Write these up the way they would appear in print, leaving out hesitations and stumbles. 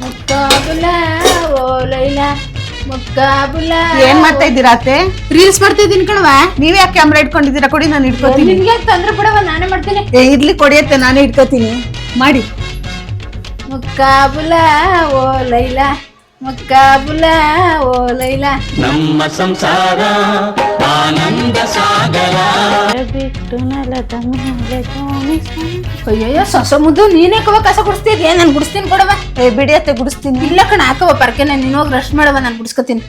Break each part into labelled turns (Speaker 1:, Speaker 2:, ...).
Speaker 1: ಮುಕ್ಕಾಬುಲ ಓ ಲೈಲಾ ಮುಕ್ಕಾಬುಲ.
Speaker 2: ಏನ್ ಮಾಡ್ತಾ ಇದ್ದೀರಾ ಅತ್ತೆ?
Speaker 1: ರೀಲ್ಸ್ ಮಾಡ್ತಾ ಇದೀನಿ ಕಣವ.
Speaker 2: ನೀವ್ ಯಾಕೆ ಕ್ಯಾಮ್ರಾ ಇಟ್ಕೊಂಡಿದ್ದೀರಾ? ಕೊಡಿ, ನಾನು ಇಟ್ಕೋತೀನಿ.
Speaker 1: ನಿನ್ಗೆ ತೊಂದ್ರೆ ಬಿಡವ, ನಾನೇ ಮಾಡ್ತೀನಿ.
Speaker 2: ಇರ್ಲಿ ಕೊಡಿಯತ್ತೆ, ನಾನೇ ಇಟ್ಕೋತೀನಿ. ಮಾಡಿ.
Speaker 1: ಮುಕ್ಕಾಬುಲ ಓ ಲೈಲಾ ಮುಕ್ಕಾಬುಲ ಓ ಲೈಲಾ
Speaker 3: ನಮ್ಮ ಸಂಸಾರ ಆನಂದ ಸಾಗರ.
Speaker 1: ಬಿಟ್ಟು ನೆಲದ ಮೇಲೆ ಅಯ್ಯಯ್ಯೋ ಸೊಸ ಮುದ್ದು, ನೀನೇ ಕವ ಕಸ ಗುಡಿಸ್ತಿದ್ಯಾ? ನಾನು ಗುಡಿಸ್ತೀನಿ ಕೊಡವ.
Speaker 2: ಬಿಡಿ ಅತ್ತೆ, ಗುಡಿಸ್ತೀನಿ.
Speaker 1: ಇಲ್ಲ ಕಣ, ಹಾಕವ ಪರ್ಕೆನ, ನೀನ್ ಹೋಗಿ ರಶ್ ಮಾಡವ, ನಾನು ಗುಡಿಸ್ಕೊತೀನಿ.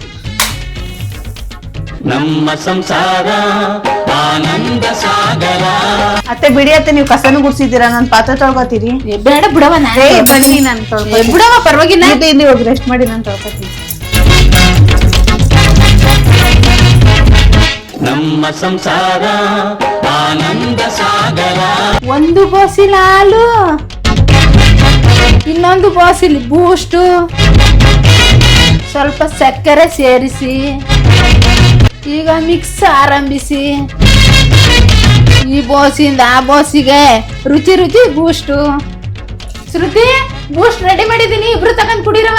Speaker 3: ನಮ್ಮ ಸಂಸಾರ ಆನಂದ ಸಾಗರ.
Speaker 2: ಅತ್ತೆ ಬಿಡಿ ಅತ್ತೆ, ನೀವು ಕಸನು ಗುಡ್ಸಿದ್ದೀರಾ, ನಾನು ಪಾತ್ರೆ ತೊಳ್ಕೊತೀರಿ.
Speaker 1: ಬೇಡ ಬಿಡವ,
Speaker 2: ಬನ್ನಿ ನಾನು
Speaker 1: ಬಿಡವ, ಪರವಾಗಿಲ್ಲ.
Speaker 2: ಇಲ್ಲಿ ಹೋಗಿ ರೆಸ್ಟ್ ಮಾಡಿ, ನಾನು ತೊಳ್ಕೊತೀನಿ.
Speaker 3: ನಮ್ಮ ಸಂಸಾರ ಆನಂದ ಸಾಗರ.
Speaker 1: ಒಂದು ಬಾಸಿಲ್ ಹಾಲು, ಇನ್ನೊಂದು ಬಾಸಿಲ್ ಬೂಸ್ಟ್, ಸ್ವಲ್ಪ ಸಕ್ಕರೆ ಸೇರಿಸಿ ಈಗ ಮಿಕ್ಸ್ ಆರಂಭಿಸಿ. ಈ ಬೋಸಿಂದ ಆ ಬೋಸಿಗೆ ರುಚಿ ರುಚಿ ಬೂಸ್ಟು. ಶ್ರುತಿ, ಬೂಸ್ಟ್ ರೆಡಿ ಮಾಡಿದ್ದೀನಿ, ಇಬ್ರು ತಗೊಂಡ್ ಕುಡಿರವ.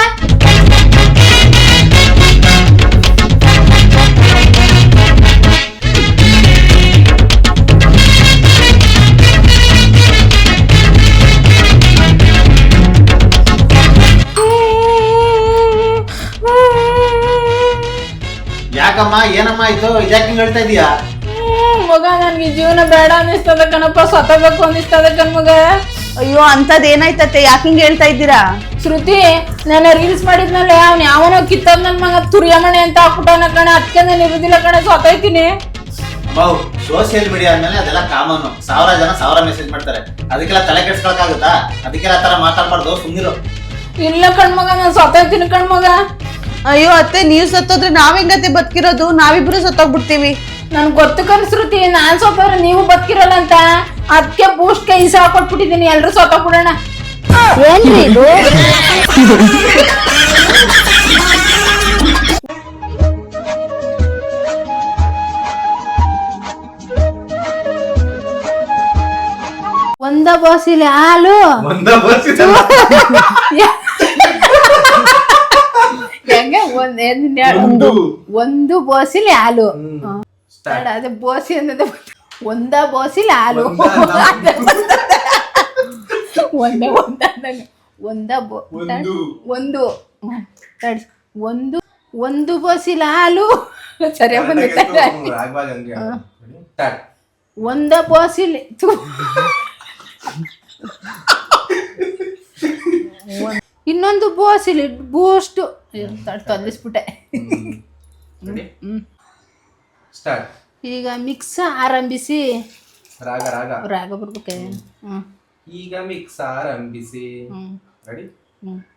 Speaker 4: ಯಾಕಮ್ಮ, ಏನಮ್ಮ ಆಯ್ತು? ಇದ್ಯಾಕೆ ಹೇಳ್ತಾ ಇದೀಯಾ?
Speaker 1: ಮಗ, ನನ್ಗೆ ಜೀವನ ಬೇಡ ಅನ್ನಿಸ್ತದ ಕಣಪ್ಪ, ಸತ್ತಬೇಕು ಅನ್ನಿಸ್ತದ ಕಣ್ಮಗ.
Speaker 2: ಅಯ್ಯೋ, ಅಂತದ್ ಏನಾಯ್ತತ್ತೆ? ಯಾಕೆ ಹಿಂಗ್ ಹೇಳ್ತಾ ಇದ್ದೀರಾ?
Speaker 1: ಶ್ರುತಿ, ನಾನು ರೀಲ್ಸ್ ಮಾಡಿದ್ಮೇಲೆ ಅವ್ನು ಯಾವನೋ ಕಿತ್ತದ್ ನನ್ ಮಗ ತುರಿಯಮಣೆ ಅಂತ ಹಾಕ್ಬಿಟ್ಟವನ ಕಣ, ಅದಕ್ಕೆ ನಾನು ಇರುದಿಲ್ಲ ಕಣ, ಸತ್ತೈತೀನಿ.
Speaker 4: ಸೋಷಿಯಲ್ ಮೀಡಿಯಾ ಅಂದ್ಮೇಲೆ ಅದೆಲ್ಲ ಕಾಮನ್. 1000 ಜನ 1000 ಮೆಸೇಜ್ ಮಾಡ್ತಾರೆ, ಅದಕ್ಕೆಲ್ಲ ತಲೆ ಕೆಡ್ಸ್ಕೊಳಕ್ಕಾಗುತ್ತಾ? ಅದಕ್ಕೆಲ್ಲ ತರ ಮಾತಾಡ್ಬಾರ್ದು, ಸುಮ್ನಿರು.
Speaker 1: ಇಲ್ಲ ಕಣ್ಮಗ, ನಾನು ಸತ್ತೈತೀನಿ ಕಣ್ಮಗ.
Speaker 2: ಅಯ್ಯೋ ಅತ್ತೆ, ನೀವ್ ಸತ್ತೋದ್ರೆ ನಾವ್ ಹೆಂಗತ್ತೆ ಬದುಕಿರೋದು? ನಾವಿಬ್ರು ಸತ್ತೋಗ್ಬಿಡ್ತೀವಿ.
Speaker 1: ನನ್ ಗೊತ್ತು ಕನ್ಸ್ರುತಿ, ನಾನ್ ಸತ್ತೋದ್ರೆ ನೀವು ಬದುಕಿರಲ್ಲ ಅಂತ, ಅದಕ್ಕೆ ಬೂಸ್ಟ್ ಕೈ ಹಾಕೊಟ್ಬಿಟ್ಟಿದ್ದೀನಿ, ಎಲ್ರು ಸತ್ತೋಗ್ಬಿಡೋಣ. ಏನ್ರಿ ಇದು? ಒಂದ ಬಾಸಿಲೆ ಹಾಲು, ಹೆಂಗೆ ಒಂದು ಬೋಸಿಲಿ ಹಾಲು. ಅದೇ ಬೋಸಿ ಅನ್ನೋದು ಒಂದ ಬೋಸಿಲಿ ಹಾಲು. ಒಂದು ಬೋಸಿಲ ಹಾಲು. ಸರಿಯಾಗಿ ಬಂದಿದೆ. ಒಂದ ಬೋಸಿಲಿ ಇನ್ನೊಂದು ಬೋಸಿಲಿ ಬೂಸ್ಟ್ ತೊಂದಿಸ್ಬಿಟ್ಟೆ. ಈಗ ಮಿಕ್ಸ್ ಆರಂಭಿಸಿ. ರಾಗ ಬರ್ಬೇಕೆ?
Speaker 5: ಈಗ ಮಿಕ್ಸ್ ಆರಂಭಿಸಿ.